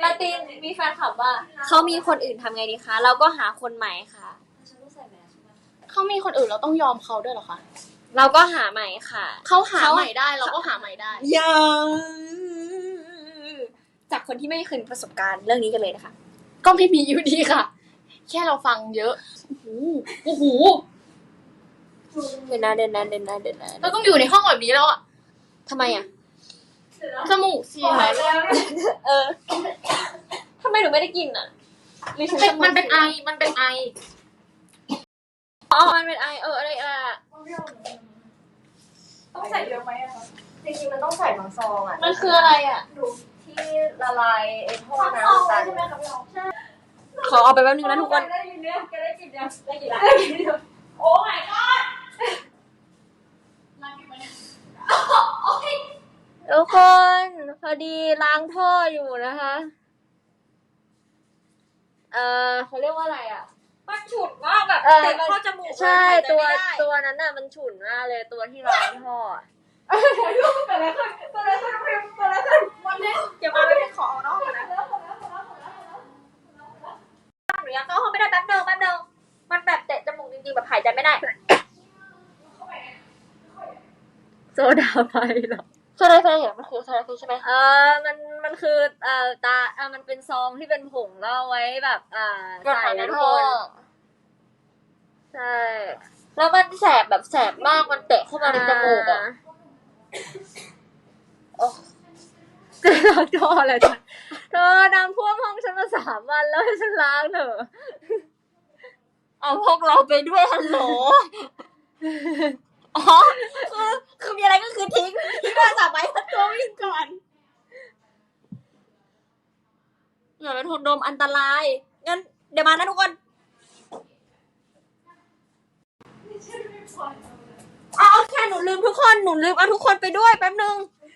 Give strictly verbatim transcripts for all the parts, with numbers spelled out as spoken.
าตินมีแฟนคลับว่าเขามีคนอื่นทำไงดีคะเราก็หาคนใหม่ค่ะเขามีคนอื่นเราต้องยอมเขาด้วยเหรอคะเราก็หาใหม่ค่ะเขาหาใหม่ได้เราก็หาใหม่ได้ยังจากคนที่ไม่เคยมีประสบการณ์เรื่องนี้กันเลยนะคะก็ไม่มีอยู่ดีค่ะแค่เราฟังเยอะโอ้โหโอ้โหเดินนะเดินนะเดินนะเดินนะเราต้องอยู่ในห้องแบบนี้แล้วอะทำไมอะจมูกเสียเออทำไมหนูไม่ได้กินอะมันเป็นไอมันเป็นไออ๋อมันเป็นไอเอออะไรอะต้องใส่เยอะไหมอะจริงๆมันต้องใส่ทั้งซองอะมันคืออะไรอะที่ละลายไอ้ท่อน้ำตาลใช่ไหมครับพี่ใช่ขอเอาไปแป๊บนึงนะทุกคนได้ยินเนี่ยแกได้กินเนี่ยได้กินแล้วได้กินเดียวโอ้ my god รักอยู่ไหมเนี่ยทุกคนพอดีล้างท่ออยู่นะคะเออเขาเรียกว่าอะไรอ่ะมันฉุดมากแบบเติดเข้าจมูกใช่ตัวตัวนั้นน่ะมันฉุนมากเลยตัวที่ล้างท่อเกิดอะไรขึ้นเกิดอะไรขึ้นเกิดอะไรขึ้นวันนี้เดี๋ยวมาไม่ได้ขอเอาน้องก่อนนะหนูยังเข้าห้องไม่ได้แป๊บเดียวแป๊บเดียวมันแบบเตะจมูกจริงๆแบบหายใจไม่ได้โซดาไฟเหรอโซดาไฟเหรอมันคือโซดาไฟใช่ไหมเออมันมันคือเอ่อตาเออมันเป็นซองที่เป็นผงแล้วไว้แบบอ่าใส่ในท่อใช่แล้วมันแสบแบบแสบมากมันเตะเข้ามาในจมูกอ่ะโอ้จะล้างท่ออะไรจ้ะเธอน้ำท่วมห้องฉันมาสามวันแล้วให้ฉันล้างเถอะเอาพวกเราไปด้วยฮัลโหลอ๋อคือคือมีอะไรก็คือทิ้งทิ้งโทรศัพท์ไว้แล้วตัววิ่งก่อนอย่าไปทนดมอันตรายงั้นเดี๋ยวมานะทุกคนอ๋อแค่หนูลืมทุกคนหนูลืมเอาทุกคนไปด้วยแป๊บนึง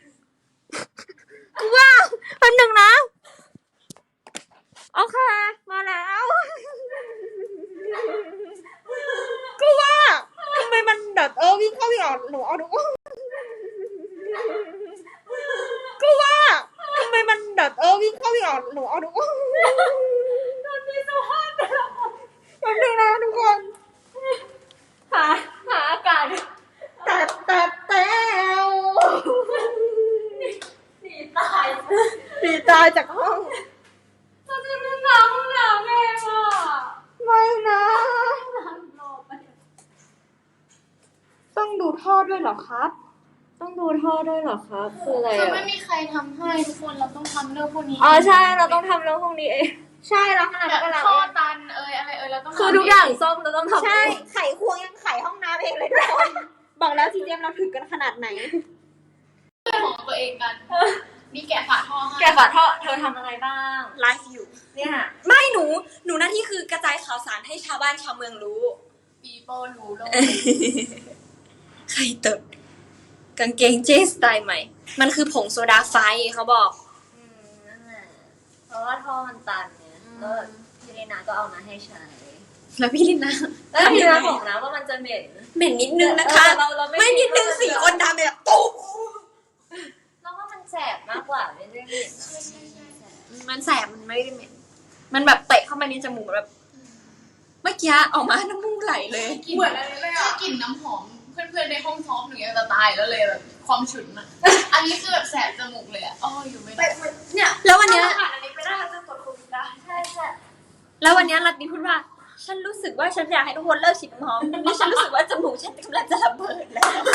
กูว่าแป๊บนึงนะโอเคมาแล้วกูว่าทำไมมันแบบเออวิ่งเข้าวิ่งออกหนูเอาทุกคนกูว่าทำไมมันแบบเออวิ่งเข้าวิ่งออกหนูเอาทุกคนโดนมีสุภาพแป๊บนึงนะทุกคนหาหาอากาศแต่แต่แต่หนีตายหนีตายจากห้องเราจะไม่ล้างหนาแม่อ่ะไม่นะต้องดูท่อด้วยเหรอครับต้องดูท่อด้วยเหรอครับคืออะไรคืออ่ะไม่มีใครทำให้ทุกคนเราต้องทำเรื่องพวกนี้อ๋อใช่เราต้องทำเรื่องพวกนี้เองใช่เราขนาดแบบท่อตันเอยอะไรเอยเราต้องคือทุกอย่างซ่อมเราต้องทำใช่ไขควงยังไขห้องน้ำเองเลยทุกคนบอกแล้วทีเดียมเราถึงกันขนาดไหนของตัวเองกันนี่แกะฝาท่อให้แกฝาท่อเธอทำอะไรบ้างไลฟ์อยู่เนี่ยไม่หนูหนูหน้าที่คือกระจายข่าวสารให้ชาวบ้านชาวเมืองรู้ปีโป้รู้โลกใครตดกางเกงเจสไตล์ใหม่มันคือผงโซดาไฟเขาบอกอืมนั่นแหละเพราะว่าท่อมันตันเนี่ยก็พี่ลินาก็เอามาให้ใช้แล้วพี่ลินาแล้วพี่ลินาบอกนะว่ามันจะเหม็นเหม็นนิดนึงนะคะเราเราไม่นิดนึงสี่คนทำแบบตุ๊บแล้วว่ามันแสบมากกว่าไม่ได้เหม็นมันแสบมันไม่ได้เหม็นมันแบบเตะเข้ามาในจมูกแบบเมื่อกี้ออกมาน้ำมูกไหลเลยเหมือนอะไรเลยอ่ะกลิ่นน้ำหอมเพื่อนๆในห้องซ้อมหนูยังจะตายแล้วเลยแบบความฉุนอ่ะอันนี้คือแบบแสบจมูกเลยอ่ะอ้ออยู่ไม่ได้เนี่ยแล้ววันนี้ผ่านอันนี้ไปได้เราจะตรวจโควิดได้ใช่ใช่แล้ววันนี้รัตติพูดว่าฉันรู้สึกว่าฉันอยากให้ทุกคนเลิกฉีดน้ำหอมนี่ฉันรู้สึกว่าจมูกฉันกำลังจะระเบิดแล้ว